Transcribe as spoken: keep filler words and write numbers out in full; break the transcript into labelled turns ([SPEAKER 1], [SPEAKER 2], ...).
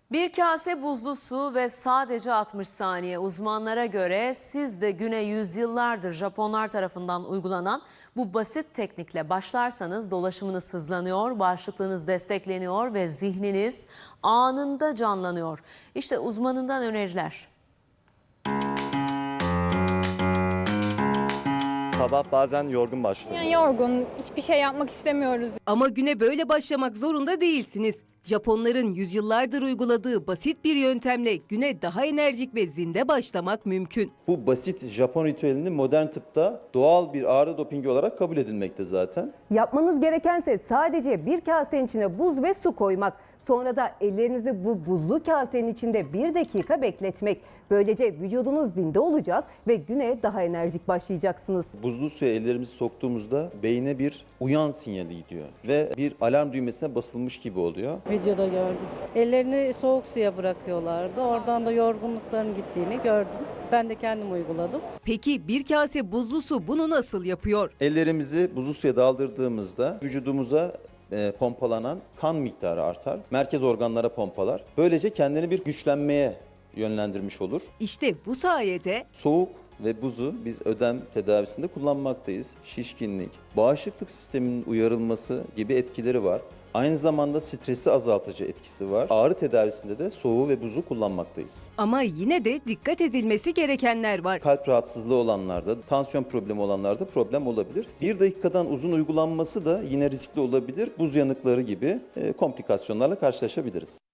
[SPEAKER 1] Bir kase buzlu su ve sadece altmış saniye. Uzmanlara göre siz de güne yüzyıllardır Japonlar tarafından uygulanan bu basit teknikle başlarsanız dolaşımınız hızlanıyor, bağışıklığınız destekleniyor ve zihniniz anında canlanıyor. İşte uzmanından öneriler.
[SPEAKER 2] Sabah bazen yorgun başlıyor.
[SPEAKER 3] Yani yorgun, hiçbir şey yapmak istemiyoruz.
[SPEAKER 4] Ama güne böyle başlamak zorunda değilsiniz. Japonların yüzyıllardır uyguladığı basit bir yöntemle güne daha enerjik ve zinde başlamak mümkün.
[SPEAKER 5] Bu basit Japon ritüelini modern tıpta doğal bir ağrı dopingi olarak kabul edilmekte zaten.
[SPEAKER 6] Yapmanız gerekense sadece bir kasenin içine buz ve su koymak. Sonra da ellerinizi bu buzlu kasenin içinde bir dakika bekletmek. Böylece vücudunuz zinde olacak ve güne daha enerjik başlayacaksınız.
[SPEAKER 5] Buzlu suya ellerimizi soktuğumuzda beyne bir uyan sinyali gidiyor ve bir alarm düğmesine basılmış gibi oluyor.
[SPEAKER 7] Videoda gördüm. Ellerini soğuk suya bırakıyorlardı. Oradan da yorgunlukların gittiğini gördüm. Ben de kendim uyguladım.
[SPEAKER 4] Peki bir kase buzlu su bunu nasıl yapıyor?
[SPEAKER 5] Ellerimizi buzlu suya daldırdığımızda vücudumuza e, pompalanan kan miktarı artar. Merkez organlara pompalar. Böylece kendini bir güçlenmeye yönlendirmiş olur.
[SPEAKER 4] İşte bu sayede
[SPEAKER 5] Soğuk ve buzu biz ödem tedavisinde kullanmaktayız. Şişkinlik, bağışıklık sisteminin uyarılması gibi etkileri var. Aynı zamanda stresi azaltıcı etkisi var. Ağrı tedavisinde de soğuğu ve buzu kullanmaktayız.
[SPEAKER 4] ama yine de dikkat edilmesi gerekenler var.
[SPEAKER 5] Kalp rahatsızlığı olanlarda, tansiyon problemi olanlarda problem olabilir. Bir dakikadan uzun uygulanması da yine riskli olabilir. Buz yanıkları gibi e, komplikasyonlarla karşılaşabiliriz.